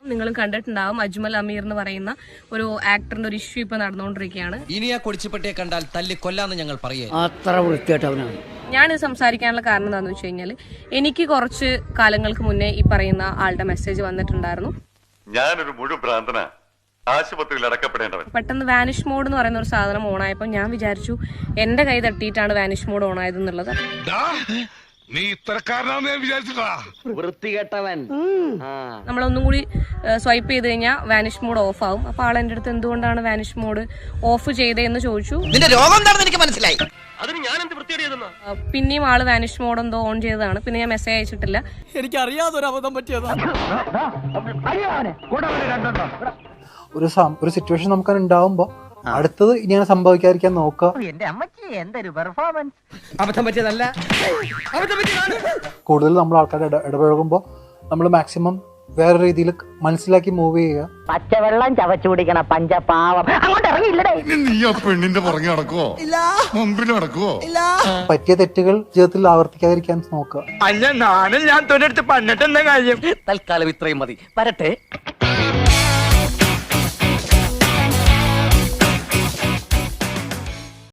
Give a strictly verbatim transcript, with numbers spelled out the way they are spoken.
നിങ്ങളും കണ്ടിട്ടുണ്ടാവും, അജ്മൽ അമീർ എന്ന് പറയുന്ന ഒരു ആക്ടറിന്റെ ഒരു ഇഷ്യൂ ഇപ്പൊ നടന്നുകൊണ്ടിരിക്കുകയാണ്. ഇനി ആ കൊടിച്ചുപെട്ടിയെ കണ്ടാൽ തല്ലി കൊല്ലാന്ന് ഞങ്ങൾ പറയേ. അത്ര വൃത്തിയായിട്ടവനാണ്. ഞാനിത് സംസാരിക്കാനുള്ള കാരണം എന്താണെന്ന് വെച്ച് കഴിഞ്ഞാൽ എനിക്ക് കുറച്ച് കാലങ്ങൾക്ക് മുന്നേ ഈ പറയുന്ന ആളുടെ മെസ്സേജ് വന്നിട്ടുണ്ടായിരുന്നു. ഞാനൊരു മുഴുവൻ ഭ്രാന്തനാ, ആശുപത്രിയിൽ അടക്കപ്പെടേണ്ടവൻ. പെട്ടെന്ന് വാനിഷ് മോഡ് എന്ന് പറയുന്ന ഒരു സാധനം ഓണായപ്പോൾ ഞാൻ വിചാരിച്ചു എന്റെ കൈ തട്ടിയിട്ടാണ് വാനിഷ് മോഡ് ഓണായത് എന്നുള്ളത്. നീ ഇത്രക്കാരനാന്ന് ഞാൻ വിചാരിച്ചിട്ടാ. വൃത്തികെട്ടവൻ. നമ്മളൊന്നും കൂടി സ്വൈപ്പ് ചെയ്ത് കഴിഞ്ഞാൽ വാനിഷ് മോഡ് ഓഫ് ആവും. അപ്പൊ ആൾ എന്റെ അടുത്ത് എന്തുകൊണ്ടാണ് വാനിഷ് മോഡ് ഓഫ് ചെയ്തതെന്ന് ചോദിച്ചു. നിന്റെ രോഗം എന്താണെന്ന് എനിക്ക് മനസ്സിലായി. അതിന് ഞാൻ എന്ത് വൃത്തിയേടിയതെന്നാ? പിന്നെയും ആള് വാനിഷ് മോഡ് എന്തോ ഓൺ ചെയ്തതാണ്. പിന്നെ ഞാൻ മെസ്സേജ് അയച്ചിട്ടില്ല. എനിക്ക് അറിയാതൊരു അബദ്ധം പറ്റിയതാ. ഒരു ഒരു സിറ്റുവേഷൻ നമുക്ക് ഉണ്ടാവുമ്പോ അടുത്തത് ഇനി സംഭവിക്കാതിരിക്കാൻ നോക്കുക. അബദ്ധം പറ്റിയതല്ല, കൂടുതൽ നമ്മൾ ആൾക്കാരുടെ ഇടപഴകുമ്പോൾ നമ്മൾ മാക്സിമം വേറെ രീതിയിൽ മനസ്സിലാക്കി മൂവ് ചെയ്യുക. പച്ചവെള്ളം ചവച്ചു കുടിക്കണ പഞ്ചപാവം അങ്ങോട്ട് ഇറങ്ങിയില്ലടേ. നീ ആ പെണ്ണിന്റെ പുറകെ നടക്കുവോ, മുമ്പിൽ നടക്കുവോ? പറ്റിയ തെറ്റുകൾ ജീവിതത്തിൽ ആവർത്തിക്കാതിരിക്കാൻ നോക്കുക. അല്ല, നാനും ഞാൻ തൊഴിലെടുത്ത് പണിട്ടെന്താ കാര്യം. തൽക്കാലം ഇത്രയും മതി. വരട്ടെ.